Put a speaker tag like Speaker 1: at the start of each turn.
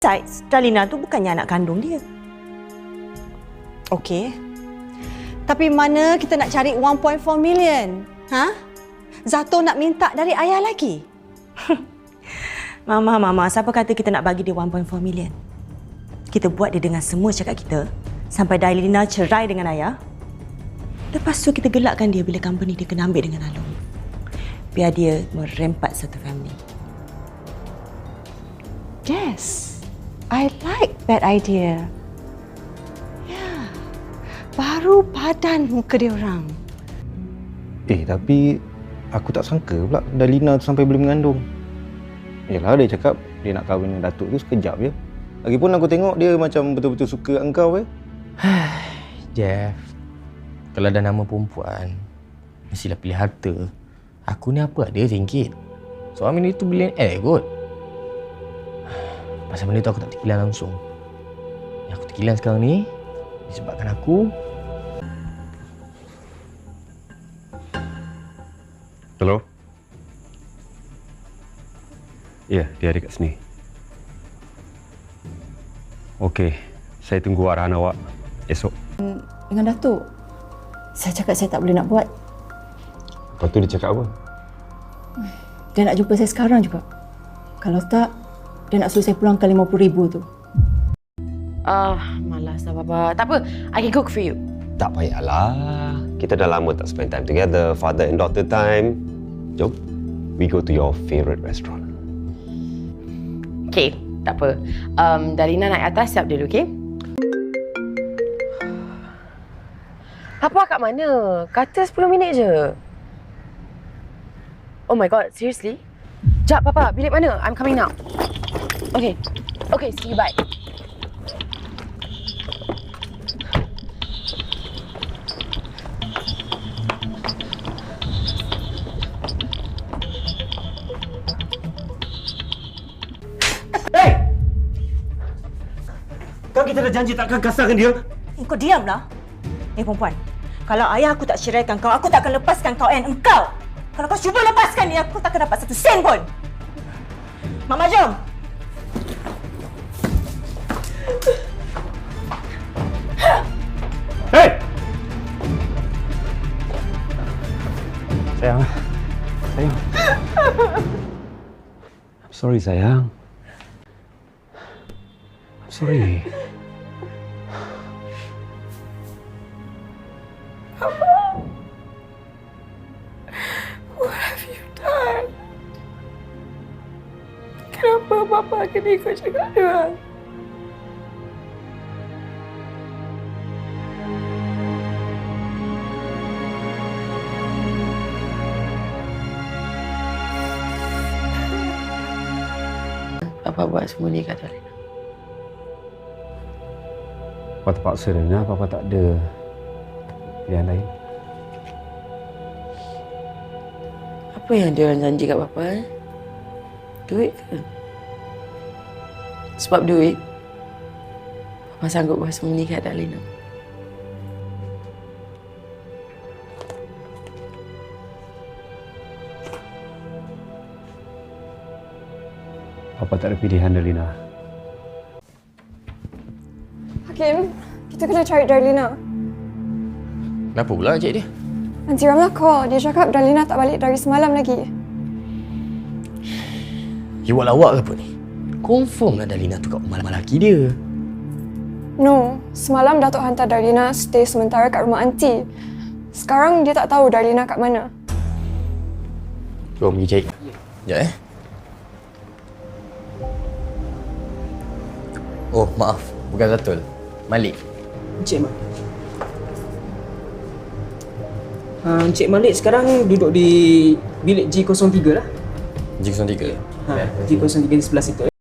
Speaker 1: Besides, Dalina tu bukannya anak kandung dia. Okey. Tapi mana kita nak cari 1.4 million? Ha? Zato nak minta dari ayah lagi? Mama, siapa kata kita nak bagi dia 1.4 million? Kita buat dia dengan semua cakap kita sampai Dalina cerai dengan ayah. Lepas tu kita gelakkan dia bila company dia kena ambil dengan Alung. Biar dia merempat satu family. Yes. I like that idea. Ya, baru padan muka dia orang.
Speaker 2: Tapi aku tak sangka pula Dalina tu sampai boleh mengandung. Yelah, dia cakap dia nak kahwin dengan Datuk tu sekejap je. Lagipun aku tengok dia macam betul-betul suka engkau .
Speaker 3: Jeff, kalau dah nama perempuan, mestilah pilih harta. Aku ni apa ada ringgit. Suami ni tu billionaire kot. Pasal benda tu aku tak terkilan langsung. Yang aku terkilan sekarang ni disebabkan aku.
Speaker 4: Hello? Ya, dia ada kat sini. Okey, saya tunggu arahan awak esok.
Speaker 5: Dengan Datuk, saya cakap saya tak boleh nak buat.
Speaker 2: Lepas tu dia cakap apa?
Speaker 5: Dia nak jumpa saya sekarang juga. Kalau tak, dia nak suruh saya pulangkan 50,000 tu.
Speaker 6: Malas lah Bapa. Tak apa, I can cook for you.
Speaker 4: Tak payahlah. Kita dah lama tak spend time together. Father and daughter time. Jom, we go to your favourite restaurant.
Speaker 6: Okay, tak apa. Dalina naik atas, siap dulu, okay? Papa kat mana? Kata 10 minit je. Oh my god, seriously? Jap, Papa. Bilik mana? I'm coming now. Okay. Okay, see you, bye.
Speaker 2: Kan kita dah janji takkan kasarkan dia.
Speaker 1: Kau diamlah. Perempuan. Kalau ayah aku tak ceraikan kau, aku tak akan lepaskan kau and engkau. Kalau kau cuba lepaskan dia, aku tak akan dapat satu sen pun. Mama, jom.
Speaker 4: Hey! Sayang. Sayang. I'm sorry, sayang. I'm sorry.
Speaker 6: What have you done? Kenapa Papa kena ikut cakap dia? Papa buat semua ni kat Dalina.
Speaker 4: Papa terpaksa, Rina. Papa tak ada pilihan lain.
Speaker 6: Apa yang dia orang janji kat Papa? Duit ke? Sebab duit, Papa sanggup buat semua ni kat Dalina.
Speaker 4: Papa tak ada pilihan, Dalina.
Speaker 7: Hakim, kita kena cari Darlina.
Speaker 3: Kenapa pula cik dia?
Speaker 7: Nanti Ramlah call. Dia cakap Darlina tak balik dari semalam lagi.
Speaker 3: You buat lawak ke apa ni? Confirm lah Dalina tu kat rumah lelaki dia.
Speaker 7: No, semalam Datuk hantar Darlina stay sementara kat rumah aunty. Sekarang dia tak tahu Darlina kat mana.
Speaker 3: Jom pergi cari. Sekejap Oh, maaf. Bukan Zatul. Malik.
Speaker 8: Encik Malik. Encik Malik sekarang duduk di bilik G03 lah.
Speaker 3: G03.
Speaker 8: G03 di sebelah situ.